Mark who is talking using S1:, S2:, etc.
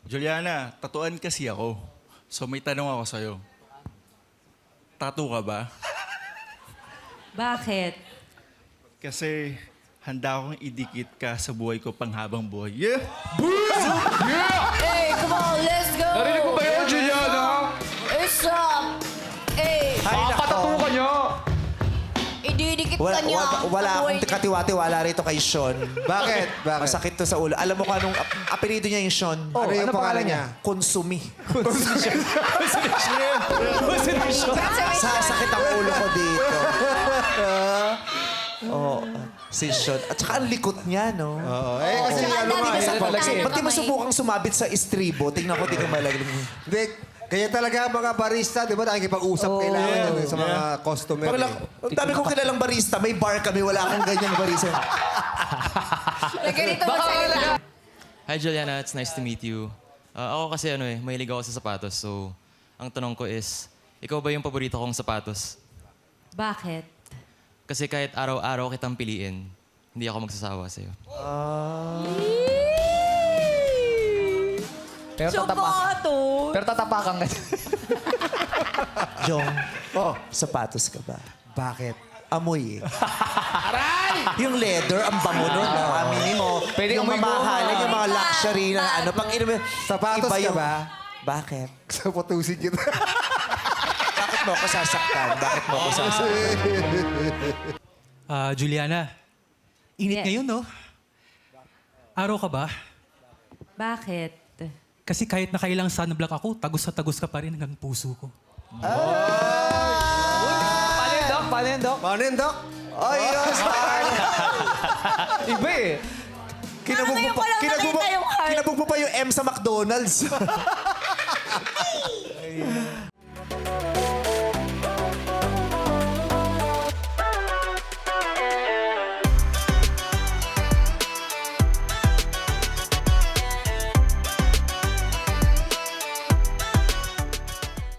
S1: Juliana, tatuan kasi ako. So may tanong ako sa'yo. Tattoo ka ba?
S2: Bakit?
S1: Kasi handa akong idikit ka sa buhay ko panghabang buhay. Yeah!
S2: Hey, come on, let's go!
S3: Narinig mo ba yun, Juliana?
S2: It's up! Hey,
S3: Papatato ka niya.
S2: ididikit ka niya.
S4: Wala
S2: Sa buhay
S4: akong
S2: niya.
S4: katiwati-wala rito kay Sean.
S5: Bakit? Bakit?
S4: Masakit to sa ulo. Alam mo kung anong apelido niya yung Sean?
S5: Ano yung pangalan niya?
S4: Konsumi. Sasakit ang ulo ko dito. Oo. Si Sean. At saka ang likot niya, no?
S5: Oo. Eh, kasi
S2: Tsaka
S5: ano nga,
S2: dami
S5: eh.
S2: sa
S3: talaga
S2: pagkain
S4: Ba't di mo
S2: kamay.
S4: subukang sumabit sa istribo? Tingnan ko, di ka malaglag.
S5: Hindi, kaya talaga mga barista, di ba, nakikipag-usap kailangan yan eh, sa mga customer.
S4: Ang dami kong kilalang barista. May bar kami. Wala akong ganyang barista.
S2: Ganito magsalita.
S6: Hi Juliana, it's nice to meet you. Ako kasi mahilig ako sa sapatos. So, ang tanong ko is, ikaw ba yung paborito kong sapatos?
S2: Bakit?
S6: Kasi kahit araw-araw kitang piliin, hindi ako magsasawa sa'yo.
S3: Pero
S2: Sapatos!
S3: Pero tatapakan ka.
S4: Jong, sapatos ka ba?
S5: Bakit?
S4: Amoy eh. Yung leather, ang bango nun. Aminin mo.
S3: Pwede
S4: yung
S3: amoy
S4: mamahalan, yung mga luxury na ano. Pag inumin,
S5: Sapatos
S4: iba
S5: ka
S4: yung-
S5: ba?
S4: Bakit?
S5: Sa putusin kita.
S4: Bakit mo ako sasaktan? Bakit mo ako sasaktan?
S7: Juliana, init
S2: Yes.
S7: ngayon, no? Araw ka ba?
S2: Bakit?
S7: Kasi kahit nakailang sunblock ako, tagos na tagos ka pa rin hanggang puso ko.
S3: Paano yun, Doc? Paano yun, Doc?
S5: Paano yun, Doc?
S4: Ay, yes, heart.
S3: Iba eh.
S4: Kinabog mo
S2: Ngayon
S4: pa,
S2: ko lang nakita yung heart.
S4: kinabog mo pa yung M sa McDonald's.